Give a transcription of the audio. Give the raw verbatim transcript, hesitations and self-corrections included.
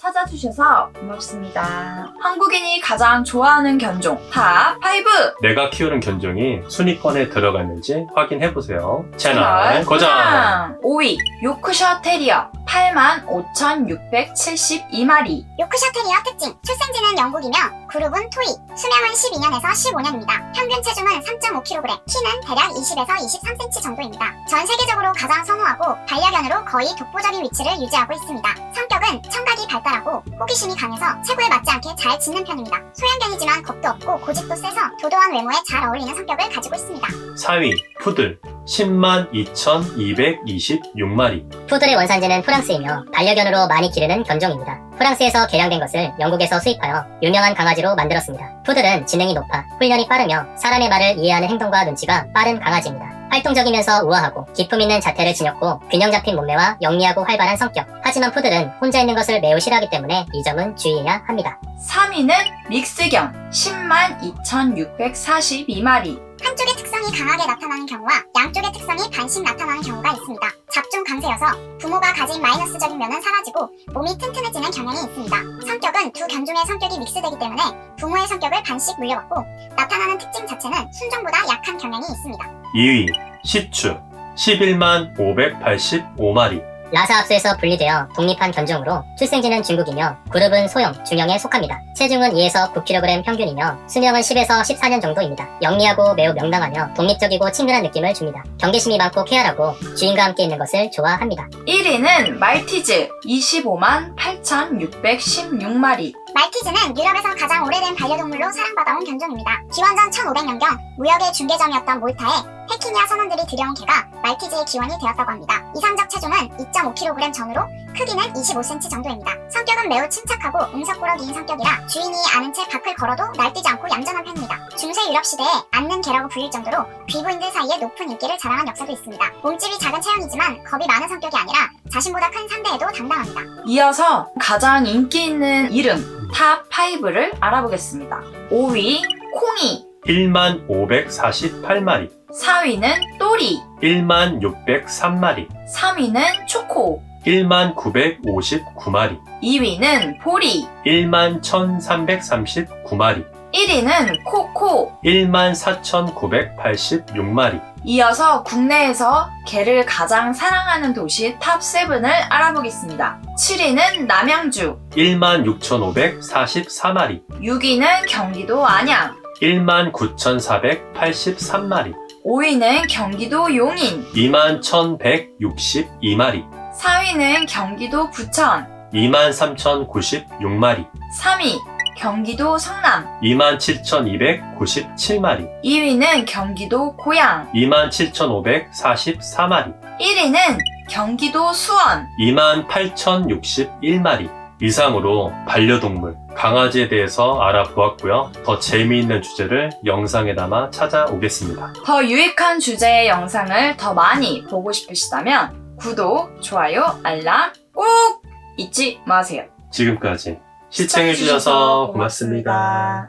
찾아주셔서 고맙습니다. 한국인이 가장 좋아하는 견종 탑 오. 내가 키우는 견종이 순위권에 들어갔는지 확인해보세요. 채널 고정! 오 위 요크셔 테리어 팔만 오천육백칠십이 마리. 요크셔 테리어 특징, 출생지는 영국이며 그룹은 토이, 수명은 십이 년에서 십오 년입니다. 평균 체중은 삼 점 오 킬로그램, 키는 대략 이십에서 이십삼 센티미터 정도입니다. 전 세계적으로 가장 선호하고 반려견으로 거의 독보적인 위치를 유지하고 있습니다. 성격은 청각이 발달하고 호기심이 강해서 체구에 맞지 않게 잘 짖는 편입니다. 소형견이지만 겁도 없고 고집도 세서 도도한 외모에 잘 어울리는 성격을 가지고 있습니다. 사 위 푸들 십만 이천이백이십육 마리. 푸들의 원산지는 프랑스이며 반려견으로 많이 기르는 견종입니다. 프랑스에서 개량된 것을 영국에서 수입하여 유명한 강아지로 만들었습니다. 푸들은 지능이 높아 훈련이 빠르며 사람의 말을 이해하는 행동과 눈치가 빠른 강아지입니다. 활동적이면서 우아하고 기품 있는 자태를 지녔고 균형 잡힌 몸매와 영리하고 활발한 성격. 하지만 푸들은 혼자 있는 것을 매우 싫어하기 때문에 이 점은 주의해야 합니다. 삼 위는 믹스견 십만 이천육백사십이 마리. 한쪽의 특성이 강하게 나타나는 경우와 양쪽의 특성이 반씩 나타나는 경우가 있습니다. 잡종 강세여서 부모가 가진 마이너스적인 면은 사라지고 몸이 튼튼해지는 경향이 있습니다. 성격은 두 견종의 성격이 믹스되기 때문에 부모의 성격을 반씩 물려받고 나타나는 특징 자체는 순종보다 약한 경향이 있습니다. 이 위 시추 십일만 오백팔십오 마리. 라사 합수에서 분리되어 독립한 견종으로 출생지는 중국이며 그룹은 소형, 중형에 속합니다. 체중은 이에서 구 킬로그램 평균이며 수명은 십에서 십사 년 정도입니다. 영리하고 매우 명랑하며 독립적이고 친근한 느낌을 줍니다. 경계심이 많고 쾌활하고 주인과 함께 있는 것을 좋아합니다. 일 위는 말티즈 이십오만 팔천육백십육 마리. 말티즈는 유럽에서 가장 오래된 반려동물로 사랑받아온 견종입니다. 기원전 천오백 년경 무역의 중개점이었던 몰타에 페키니아 선원들이 들여온 개가 말티즈의 기원이 되었다고 합니다. 이상적 체중은 이 점 오 킬로그램 전후로 크기는 이십오 센티미터 정도입니다. 성격은 매우 침착하고 응석꾸러기인 성격이라 주인이 아는 채 밖을 걸어도 날뛰지 않고 얌전한 편입니다. 중세 유럽 시대에 앉는 개라고 불릴 정도로 귀부인들 사이에 높은 인기를 자랑한 역사도 있습니다. 몸집이 작은 체형이지만 겁이 많은 성격이 아니라 자신보다 큰 상대에도 당당합니다. 이어서 가장 인기 있는 이름 탑 오를 알아보겠습니다. 오 위 콩이, 일만 오백사십팔 마리. 사 위는 또리, 일만 육백삼 마리. 삼 위는 초코, 일만 구백오십구 마리. 이 위는 보리, 일만 천삼백삼십구 마리. 일 위는 코코. 일만 사천구백팔십육 마리. 이어서 국내에서 개를 가장 사랑하는 도시 탑 칠을 알아보겠습니다. 칠 위는 남양주, 일만 육천오백사십사 마리. 육 위는 경기도 안양, 일만 구천사백팔십삼 마리. 오 위는 경기도 용인, 이만 천백육십이 마리. 사 위는 경기도 부천, 이만 삼천구십육 마리. 삼 위 경기도 성남, 이만 칠천이백구십칠 마리. 이 위는 경기도 고양, 이만 칠천오백사십사 마리. 일 위는 경기도 수원. 이만 팔천육십일 마리. 이상으로 반려동물, 강아지에 대해서 알아보았고요. 더 재미있는 주제를 영상에 담아 찾아오겠습니다. 더 유익한 주제의 영상을 더 많이 보고 싶으시다면 구독, 좋아요, 알람 꼭 잊지 마세요. 지금까지 시청해주셔서 고맙습니다.